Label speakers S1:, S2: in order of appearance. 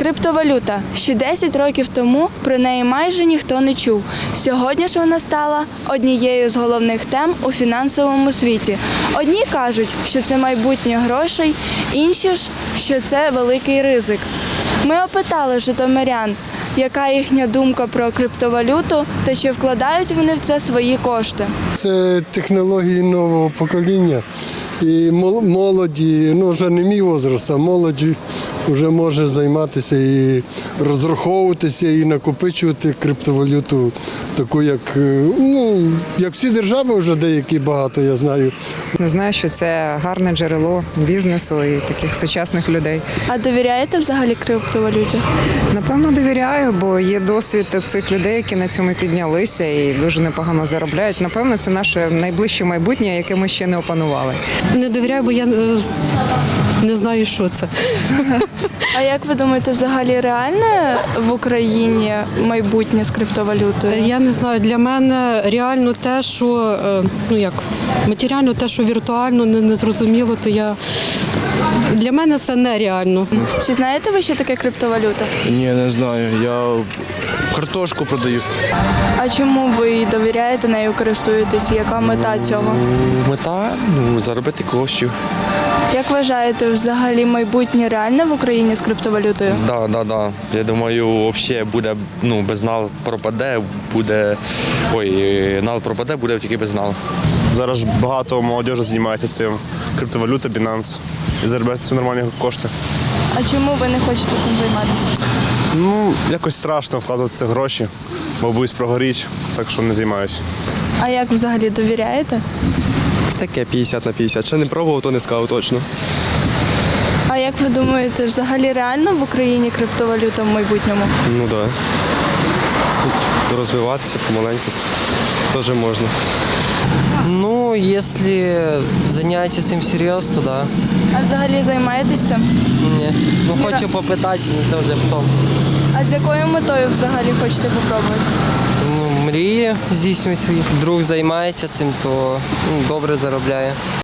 S1: Криптовалюта. Ще 10 років тому про неї майже ніхто не чув. Сьогодні ж вона стала однією з головних тем у фінансовому світі. Одні кажуть, що це майбутнє грошей, інші ж, що це великий ризик. Ми опитали житомирян, яка їхня думка про криптовалюту та чи вкладають вони в це свої кошти.
S2: Це технології нового покоління. І молоді, вже не мій возраст, а молодь вже може займатися і розраховуватися, і накопичувати криптовалюту, таку, як всі держави вже деякі багато, я знаю.
S3: Знаю, що це гарне джерело бізнесу і таких сучасних людей.
S1: А довіряєте взагалі криптовалюті?
S3: Напевно, довіряю, бо є досвід цих людей, які на цьому піднялися і дуже непогано заробляють. Напевно, це наше найближче майбутнє, яке ми ще не опанували.
S4: Не довіряю, бо я не знаю, що це.
S1: А як ви думаєте, взагалі реальне в Україні майбутнє з криптовалютою?
S4: Я не знаю, для мене реально те, що матеріально те, що віртуально не зрозуміло, то для мене це нереально.
S1: Чи знаєте ви, що таке криптовалюта?
S5: Ні, не знаю. Я картошку продаю.
S1: А чому ви довіряєте нею, користуєтесь? Яка мета цього?
S5: Мета заробити коштів.
S1: Як вважаєте, взагалі майбутнє реальне в Україні з криптовалютою?
S5: Да. Я думаю, взагалі буде, безнал пропаде, нал пропаде, буде тільки безнал.
S6: Зараз багато молодіжі займається цим. Криптовалюта, Binance. І заробляти нормальні кошти.
S1: А чому ви не хочете цим займатися?
S6: Якось страшно вкладати ці гроші, бо боюсь прогоріти, так що не займаюся.
S1: А як взагалі довіряєте?
S7: Таке 50 на 50. Ще не пробував, то не сказав точно.
S1: А як ви думаєте, взагалі реально в Україні криптовалюта в майбутньому?
S7: Ну так. Да. Розвиватися помаленьку теж можна.
S8: Ну, если заняться этим серьезно, то да.
S1: А взагалі займаєтесь цим?
S8: Не. Ну, хочу попытать, не завжди потом.
S1: А з якою метою взагалі хочете попробувати?
S8: Ну, мрії здійснюють свої. Друг займається цим, то добре заробляє.